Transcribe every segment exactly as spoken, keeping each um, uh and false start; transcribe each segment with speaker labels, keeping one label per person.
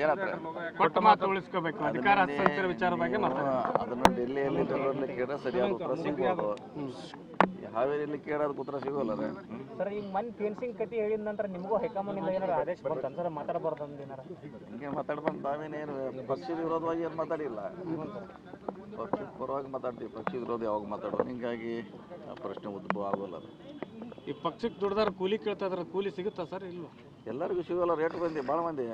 Speaker 1: ಏನಂತಾರೆ
Speaker 2: ಕೊಟ್ಟ ಮಾತು ಉಳಿಸ್ಕೋಬೇಕು ಅಧಿಕಾರ ಹಸ್ತಾಂತರ ವಿಚಾರ ಬಗ್ಗೆ ಮಾತಾಡ್ತಾರೆ.
Speaker 1: ಅದನ್ನು ಡೆಲ್ಲಿಯಲ್ಲಿ ಬೆಂಗಳೂರಲ್ಲಿ ಕೇಳಿದ್ರೆ ಸರಿಯಾದ ಉತ್ತರ ಸಿಗ್ಬೋದು. ಹಾವೇರಿಯಲ್ಲಿ ಕೇಳೋದಕ್ಕೆ ಉತ್ತರ ಸಿಗೋಲ್ಲ ರೀ.
Speaker 3: ಸರ್ ಈಗ ಮನ್ ಫೆನ್ಸಿಂಗ್ ಕತಿ ಹೇಳಿದ ನಂತರ ನಿಮಗೂ ಹೈಕಮಾಂಡ್ ಏನಾರು ಆದೇಶ ಬಂತು ಸರ್ ಮಾತಾಡಬಾರ್ದು ಅಂತ ಏನಾರ
Speaker 1: ಹಿಂಗೆ ಮಾತಾಡ್ಬಂದು ನಾವೇನೇನು ಪಕ್ಷದ ವಿರೋಧವಾಗಿ ಏನು ಮಾತಾಡಿಲ್ಲ, ಪಕ್ಷದ ಪರವಾಗಿ ಮಾತಾಡ್ತೀವಿ. ಪಕ್ಷದ ವಿರೋಧ ಯಾವಾಗ ಮಾತಾಡೋದು, ಹಿಂಗಾಗಿ ಆ ಪ್ರಶ್ನೆ ಉದ್ಭವ ಆಗೋಲ್ಲ. ಅದು
Speaker 2: ಈ ಪಕ್ಷಕ್ಕೆ ದುಡ್ದಾರ ಕೂಲಿ ಕೇಳ್ತಾ ಇದಾರೆ, ಕೂಲಿ ಸಿಗುತ್ತಾ ಸರ್? ಇಲ್ವಾ?
Speaker 1: ಎಲ್ಲರಿಗೂ ಸಿಗೋಲ್ಲ. ರೇಟ್ ಬಂದಿ ಭಾಳ ಮಂದಿ,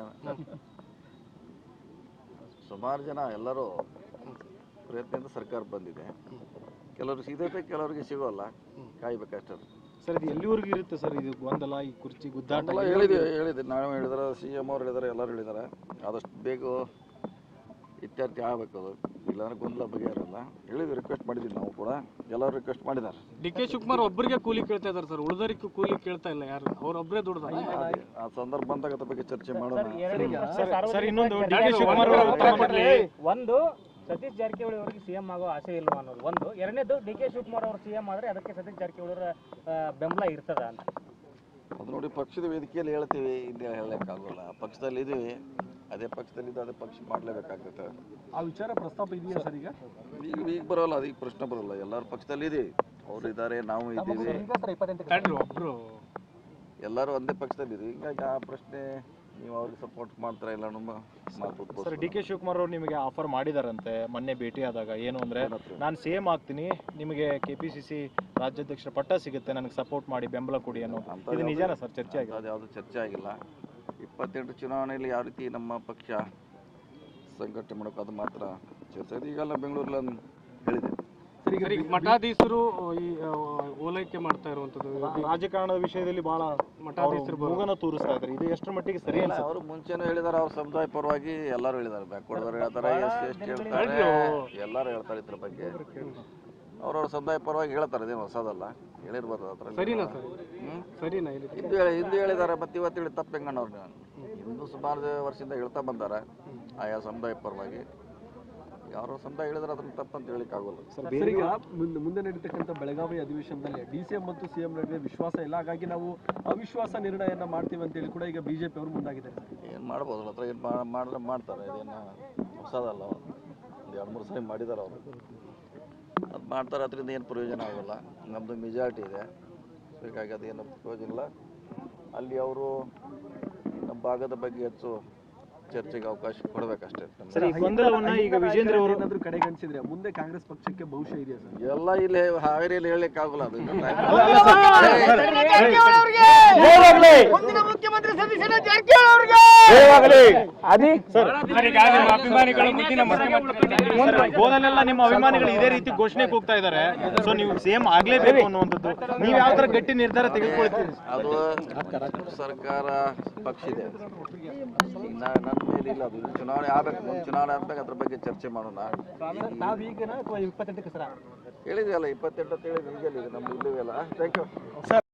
Speaker 1: ಸುಮಾರು ಜನ ಎಲ್ಲರೂ ಪ್ರಯತ್ನದಿಂದ ಸರ್ಕಾರ ಬಂದಿದೆ. ಕೆಲವ್ರಿಗೆ ಸಿಗತ್ತೆ, ಕೆಲವರಿಗೆ ಸಿಗೋಲ್ಲ, ಕಾಯ್ಬೇಕಷ್ಟೇ.
Speaker 4: ಸರ್ ಇದು ಎಲ್ಲಿವರೆಗೂ ಇರುತ್ತೆ ಸರ್ ಇದು ಗೊಂದಲ, ಈ ಕುರ್ಚಿ ಗುದ್ದಾಟ?
Speaker 1: ಎಲ್ಲ ಹೇಳಿದ್ವಿ ಹೇಳಿದ್ವಿ ನಾವು ಹೇಳಿದಾರೆ, ಸಿ ಎಮ್ ಅವ್ರು ಹೇಳಿದಾರೆ, ಎಲ್ಲರೂ ಹೇಳಿದ್ದಾರೆ. ಆದಷ್ಟು ಬೇಗ ಇತ್ಯರ್ಥ ಆಗಬೇಕು. ಅದು ಇಲ್ಲಾಂದ್ರೆ ಗೊಂದಲ ಬಗೆಹರಲ್ಲ. ಹೇಳಿದ್ವಿ, ರಿಕ್ವೆಸ್ಟ್ ಮಾಡಿದ್ವಿ ನಾವು ಕೂಡ, ಎಲ್ಲರೂ ರಿಕ್ವೆಸ್ಟ್ ಮಾಡಿದ್ದಾರೆ.
Speaker 2: ಡಿ ಕೆ ಶಿವಕುಮಾರ್ ಒಬ್ಬರಿಗೆ ಕೂಲಿ ಕೇಳ್ತಾ ಇದಾರೆ ಸರ್, ಉಳಿದವರಿಗೂ ಕೂಲಿ ಕೇಳ್ತಾ ಇಲ್ಲ. ಯಾರು ಅವ್ರೊಬ್ಬರೇ ದುಡ್ದ.
Speaker 1: ಆ ಸಂದರ್ಭ ಬಂದಾಗ ಅದ್ರ ಬಗ್ಗೆ ಚರ್ಚೆ ಮಾಡೋಣ.
Speaker 4: ಸರ್ ಇನ್ನೊಂದು ಡಿ ಕೆ ಶಿವಕುಮಾರ್
Speaker 3: ಒಂದು ಸತೀಶ್ ಜಾರಕಿಹೊಳಿ ಅವರಿಗೆ ಸಿಎಂ ಆಗೋ ಆಸೆ ಇಲ್ವಾ ಅನ್ನೋದು ಒಂದು. ಎರಡನೇದು ಡಿ ಕೆ ಶಿವಕುಮಾರ್ ಅವರು ಸಿಎಂ ಆದರೆ ಅದಕ್ಕೆ ಸತೀಶ್ ಜಾರಕಿಹೊಳಿ ಅವರ ಬೆಂಬಲ ಇರ್ತದ ಅಂತ.
Speaker 1: ಅದು ನೋಡಿ, ಪಕ್ಷದ ವೇದಿಕೆಯಲ್ಲಿ ಹೇಳ್ತೀವಿ, ಇಲ್ಲಿ ಹೇಳಕ್ಕಾಗೋಲ್ಲ. ಪಕ್ಷದಲ್ಲಿ ಇದೀವಿ, ಅದೇ ಪಕ್ಷದಲ್ಲಿದ್ದು ಅದೇ ಪಕ್ಷ ಮಾಡಲೇಬೇಕಾಗುತ್ತೆ.
Speaker 4: ಆ ವಿಚಾರ ಪ್ರಸ್ತಾಪ ಇದೆಯಾ ಸರ್? ಈಗ
Speaker 1: ಈಗ ಈಗ ಬರೋಲ್ಲ, ಅದೀಗ ಪ್ರಶ್ನೆ ಬರೋಲ್ಲ. ಎಲ್ಲರೂ ಪಕ್ಷದಲ್ಲಿ ಇದೀವಿ, ಅವ್ರು ಇದ್ದಾರೆ, ನಾವು ಇದ್ದೀವಿ,
Speaker 2: ಒಬ್ರು
Speaker 1: ಎಲ್ಲರೂ ಒಂದೇ ಪಕ್ಷದಲ್ಲಿ ಇದೀವಿ. ಹಿಂಗಾಗಿ ಆ ಪ್ರಶ್ನೆ ನೀವು ಅವ್ರಿಗೆ ಸಪೋರ್ಟ್ ಮಾಡ್ತಾರ ಇಲ್ಲ ನಮ್ಮ ಮಾತು.
Speaker 4: ಸರ್ ಡಿ ಕೆ ಶಿವಕುಮಾರ್ ಅವರು ನಿಮಗೆ ಆಫರ್ ಮಾಡಿದಾರಂತೆ ಮೊನ್ನೆ ಭೇಟಿ ಆದಾಗ. ಏನು ಅಂದ್ರೆ, ನಾನು ಸೇಮ್ ಆಗ್ತೀನಿ, ನಿಮಗೆ ಕೆ ಪಿ ಸಿ ಸಿ ರಾಜ್ಯಾಧ್ಯಕ್ಷರ ಪಟ್ಟ ಸಿಗುತ್ತೆ, ನನಗೆ ಸಪೋರ್ಟ್ ಮಾಡಿ, ಬೆಂಬಲ ಕೊಡಿ ಅನ್ನೋ. ಇದು ನಿಜಾನ ಸರ್? ಚರ್ಚೆ ಆಗಿದೆ?
Speaker 1: ಅದು ಯಾವುದು ಚರ್ಚೆ ಆಗಿಲ್ಲ. ಇಪ್ಪತ್ತೆಂಟು ಚುನಾವಣೆಯಲ್ಲಿ ಯಾವ ರೀತಿ ನಮ್ಮ ಪಕ್ಷ ಸಂಘಟನೆ ಮಾಡೋಕೆ ಅದು ಮಾತ್ರ ಚರ್ಚೆ ಆಗಿದೆ. ಈಗೆಲ್ಲ ಬೆಂಗಳೂರಲ್ಲಿ ಹೇಳಿದೆ.
Speaker 2: ಸರಿ, ಮಠಾಧೀಶರು ಈ ಓಲೈಕೆ ಮಾಡ್ತಾ ಇರುವಂತದ್ದು
Speaker 4: ರಾಜಕಾರಣದ ವಿಷಯದಲ್ಲಿ ಬಹಳ
Speaker 2: ಮಠಾಧೀಶರು
Speaker 4: ಮೂಗನ ತೋರಿಸ್ತಾ ಇದ್ದಾರೆ. ಇದು ಎಷ್ಟರ ಮಟ್ಟಿಗೆ ಸರಿ ಅಲ್ಲ?
Speaker 1: ಅವರು ಮುಂಚೆನೂ ಹೇಳಿದಾರೆ, ಅವ್ರ ಸಮುದಾಯ ಪರವಾಗಿ ಎಲ್ಲರೂ ಹೇಳಿದ್ದಾರೆ. ಬ್ಯಾಕ್ವರ್ಡ್ ಹೇಳ್ತಾರೆ, ಎಸ್ ಸಿ ಎಸ್ ಟಿ ಹೇಳ್ತಾರೆ, ಎಲ್ಲರೂ ಹೇಳ್ತಾರೆ ಇದ್ರ ಬಗ್ಗೆ. ಅವ್ರವ್ರ ಸಮುದಾಯ ಪರವಾಗಿ ಹೇಳ್ತಾರೆ, ಇದೇನು ಹೊಸದಲ್ಲ, ಹೇಳಿರ್ಬೋದು. ಅದ್ರ
Speaker 2: ಸರಿನಾ ಸರ್? ಸರಿನಾ?
Speaker 1: ಹಿಂದೂ ಹೇಳಿ ಹಿಂದೂ ಹೇಳಿದ್ದಾರೆ, ಮತ್ತೆ ಇವತ್ತು ಹೇಳಿ ತಪ್ಪು ಹೆಂಗಣ್ಣವ್ರು. ಹಿಂದೂ ಸುಮಾರು ವರ್ಷದಿಂದ ಹೇಳ್ತಾ ಬಂದಾರೆ ಆಯಾ ಸಮುದಾಯ ಪರವಾಗಿ. ಯಾರೋ ಸಮುದಾಯ ಹೇಳಿದ್ರೆ ಅದನ್ನ ತಪ್ಪಂತ ಹೇಳಿಕ್ ಆಗೋಲ್ಲ.
Speaker 5: ಸರ್ ಈಗ ಮುಂದೆ ಮುಂದೆ ನಡೀತಕ್ಕಂಥ ಬೆಳಗಾವಿ ಅಧಿವೇಶನದಲ್ಲಿ ಡಿ ಸಿ ಎಂ ಮತ್ತು ಸಿ ಎಂ ನಡುವೆ ವಿಶ್ವಾಸ ಇಲ್ಲ, ಹಾಗಾಗಿ ನಾವು ಅವಿಶ್ವಾಸ ನಿರ್ಣಯನ ಮಾಡ್ತೀವಿ ಅಂತೇಳಿ ಕೂಡ ಈಗ ಬಿಜೆಪಿ ಅವರು ಮುಂದಾಗಿದ್ದಾರೆ.
Speaker 1: ಏನು ಮಾಡ್ಬೋದು, ಹತ್ರ ಏನು ಮಾಡಿದ್ರೆ ಮಾಡ್ತಾರೆ, ಇದೇನು ಹೊಸದಲ್ಲ. ಒಂದು ಎರಡು ಮೂರು ಸರಿ ಮಾಡಿದ್ದಾರೆ ಅವರು, ಅದು ಮಾಡ್ತಾರೆ. ಅದರಿಂದ ಏನು ಪ್ರಯೋಜನ ಆಗೋಲ್ಲ. ನಮ್ಮದು ಮೆಜಾರಿಟಿ ಇದೆ, ಹೀಗಾಗಿ ಅದೇನು ಪ್ರಯೋಜನ ಇಲ್ಲ. ಅಲ್ಲಿ ಅವರು ನಮ್ಮ ಭಾಗದ ಬಗ್ಗೆ ಹೆಚ್ಚು ಚರ್ಚೆಗೆ ಅವಕಾಶ ಕೊಡಬೇಕಷ್ಟೇ.
Speaker 4: ಈಗ ವಿಜೇಂದ್ರ ಅವರು
Speaker 5: ಏನಾದರೂ ಕಡೆಗಣಿಸಿದ್ರೆ ಮುಂದೆ ಕಾಂಗ್ರೆಸ್ ಪಕ್ಷಕ್ಕೆ ಭವಿಷ್ಯ ಇದೆಯಾ ಸರ್?
Speaker 1: ಎಲ್ಲ ಇಲ್ಲಿ ಹಾವೇರಿಯಲ್ಲಿ ಹೇಳಲಿಕ್ಕೆ ಆಗೋಲ್ಲ. ಅದು
Speaker 4: ಗೋದಲೆಲ್ಲ ನಿಮ್ಮ ಅಭಿಮಾನಿಗಳು ಇದೇ ರೀತಿ ಘೋಷಣೆ ಕೂಗ್ತಾ ಇದ್ದಾರೆ. ಸೊ ನೀವು ಸೇಮ್ ಆಗ್ಲೇಬೇಕು ಅನ್ನುವಂಥದ್ದು, ನೀವು ಯಾವ ತರ ಗಟ್ಟಿ ನಿರ್ಧಾರ ತೆಗೆದುಕೊಳ್ತೀರಿ?
Speaker 1: ಅದು ಸರ್ಕಾರ ಪಕ್ಷ ಇದೆ, ನನ್ನ ಮೇಲೆ ಇಲ್ಲ. ಅದು ಚುನಾವಣೆ ಆಗ್ಬೇಕು, ಮುಂದೆ ಚುನಾವಣೆ ಆಗ್ಬೇಕು, ಅದ್ರ ಬಗ್ಗೆ ಚರ್ಚೆ ಮಾಡೋಣ.
Speaker 3: ನಾವೀಗ ಇಪ್ಪತ್ತೆಂಟಕ್ಕೆ ಸರ
Speaker 1: ಹೇಳಿದ್ವಿ ಅಲ್ಲ, ಇಪ್ಪತ್ತೆಂಟು ಅಂತ ಹೇಳಿದ್ವಿ. ಈಗಲ್ಲ, ನಮ್ದು ಇಲ್ಲವೇ ಅಲ್ಲ. Thank you.